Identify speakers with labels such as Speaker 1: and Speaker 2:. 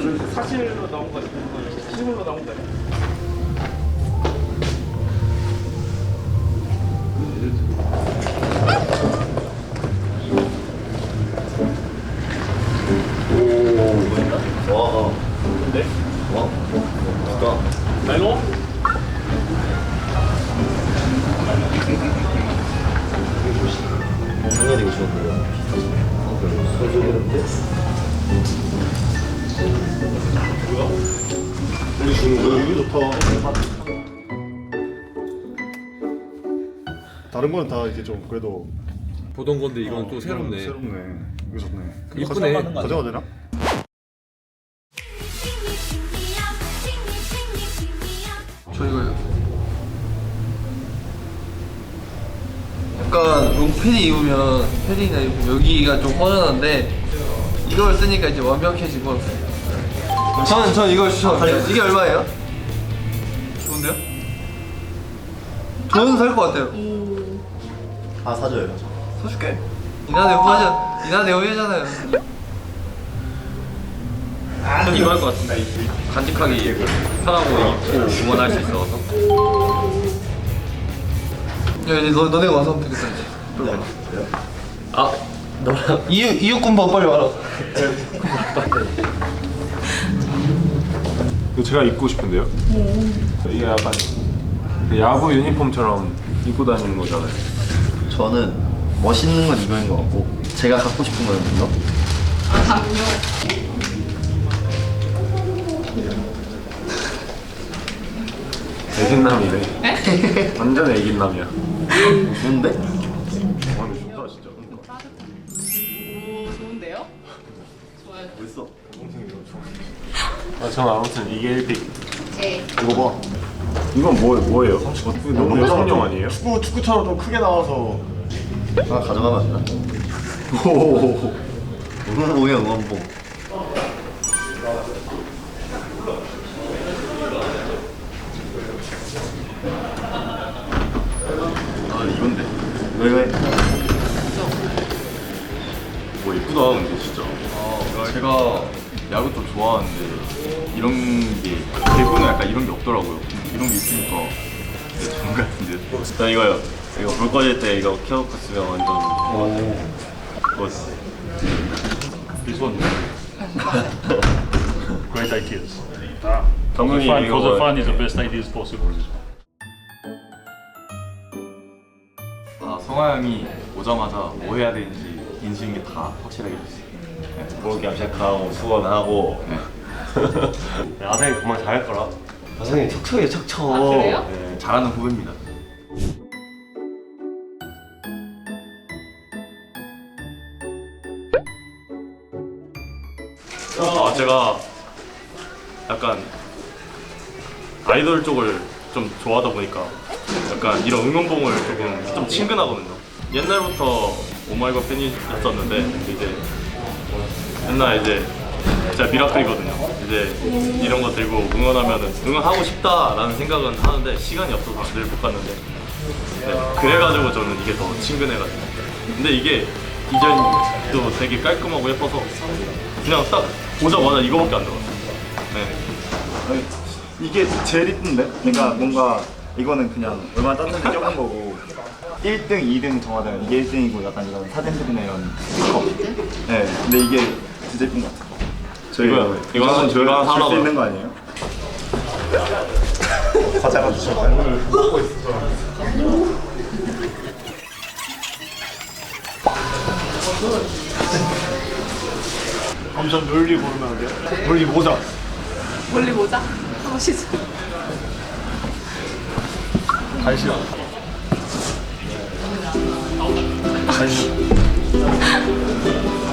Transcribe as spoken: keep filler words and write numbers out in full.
Speaker 1: 그 사실로 나온 거 실물로 나온 거
Speaker 2: 와.
Speaker 1: 근데?
Speaker 2: 와. 좋다.
Speaker 1: 나이로?
Speaker 2: 당연히 이거 좋은데요. 소주인데. 뭐야? 우리 주는 거 이거 좋다. 다른 거는 다 이제 좀 그래도
Speaker 3: 보던 건데 이건
Speaker 2: 어,
Speaker 3: 또 새롭네.
Speaker 2: 새롭네. 이거 좋네.
Speaker 3: 이쁘네.
Speaker 2: 가져가, 가져가도 되나?
Speaker 4: 저 이거요. 약간 롱 패딩 입으면 패딩이나 입으면 여기가 좀 허전한데 이걸 쓰니까 이제 완벽해지고. 저는 전 이걸 추천합니다. 이게 얼마예요? 좋은데요? 저는 살 것 같아요.
Speaker 2: 아 사줘요.
Speaker 4: 사줄게. 이나대 후하자. 이나대 후회잖아요.
Speaker 1: 전 이거 할 것 같은데. 간직하기 편하고 입고 응원할 수 있어서.
Speaker 4: 야 이제 너 너네 와서 하면 되겠다 이제.
Speaker 1: 아, 너랑
Speaker 4: 이유 이육군번 빨리 와라.
Speaker 5: 이거 제가 입고 싶은데요? 이게 약간 야구 유니폼처럼 입고 다니는 거잖아요.
Speaker 2: 저는 멋있는 건 이거인 것 같고 제가 갖고 싶은 거는 이거.
Speaker 6: 아, 담요.
Speaker 5: 애긴남이네.
Speaker 6: 네?
Speaker 5: 완전 애긴남이야.
Speaker 2: 좋은데?
Speaker 5: 와 근데 좋다 진짜.
Speaker 6: 오, 좋은데요? 좋아요.
Speaker 2: 멋있어.
Speaker 5: 아, 저는 아무튼 이게 일 픽.
Speaker 6: 네.
Speaker 2: 이거 봐.
Speaker 5: 이건 뭐, 뭐예요? 어, 이거 너무 여성용 아니에요?
Speaker 2: 축구 축구처럼 좀 크게 나와서 하나 가져가면 안 되나? 오호호호. 응원봉이야 응원봉. 아 이건데. 이거 이거 해.
Speaker 7: 뭐 이쁘다 근데 진짜. 아 제가 야구 좀 좋아하는데 이런 게 대구는 약간 이런 게 없더라고요. 이런 게 있으니까 되게 좋은 것 같은데. 저 이거요. 이거 불 꺼질 때 이거 켜놓고 쓰면 완전 오 멋있어.
Speaker 8: This one. Great ideas.
Speaker 7: 당연히
Speaker 8: Fun,
Speaker 7: 이거
Speaker 8: for the fun is the best ideas possible.
Speaker 7: 아 성화 형이 오자마자 뭐 해야 되는지 인식인 게 다 확실하게 됐어요.
Speaker 2: 뭐 염색하고 수건하고.
Speaker 5: 야생이 정말 잘할 거라.
Speaker 2: 가성이 척척이야 척척.
Speaker 6: 아, 그래요?
Speaker 7: 네, 잘하는 후배입니다. 아 제가 약간 아이돌 쪽을 좀 좋아하다 보니까 약간 이런 응원봉을 조금 좀 친근하거든요. 옛날부터 오마이걸 팬이었었는데 이제 옛날 이제 진짜 미라클이거든요. 이제 이런 거 들고 응원하면은 응원하고 싶다라는 생각은 하는데 시간이 없어서 늘 못 갔는데 네, 그래가지고 저는 이게 더 친근해가지고. 근데 이게 디자인도 되게 깔끔하고 예뻐서 그냥 딱 보자마자 이거밖에 안 들어갔어요. 네.
Speaker 9: 이게 제일 이쁜데? 그러니까 뭔가 이거는 그냥 얼마 땄는지 적은 거고 일 등, 이 등 정하자면 이게 일 등이고 약간 이런 사진들이나 이런 스티커. 네, 근데 이게 진짜 이쁜 것 같아요. 저희
Speaker 7: 이거 이거 한번
Speaker 9: 줄
Speaker 7: 이거 하나
Speaker 9: 수 있는 거 아니에요? 과자가 주셨어요.
Speaker 8: 엄청 멀리 보면 안 돼요? 멀리 모자.
Speaker 6: 멀리 보자. 한번 시작.
Speaker 8: 간식. 간식.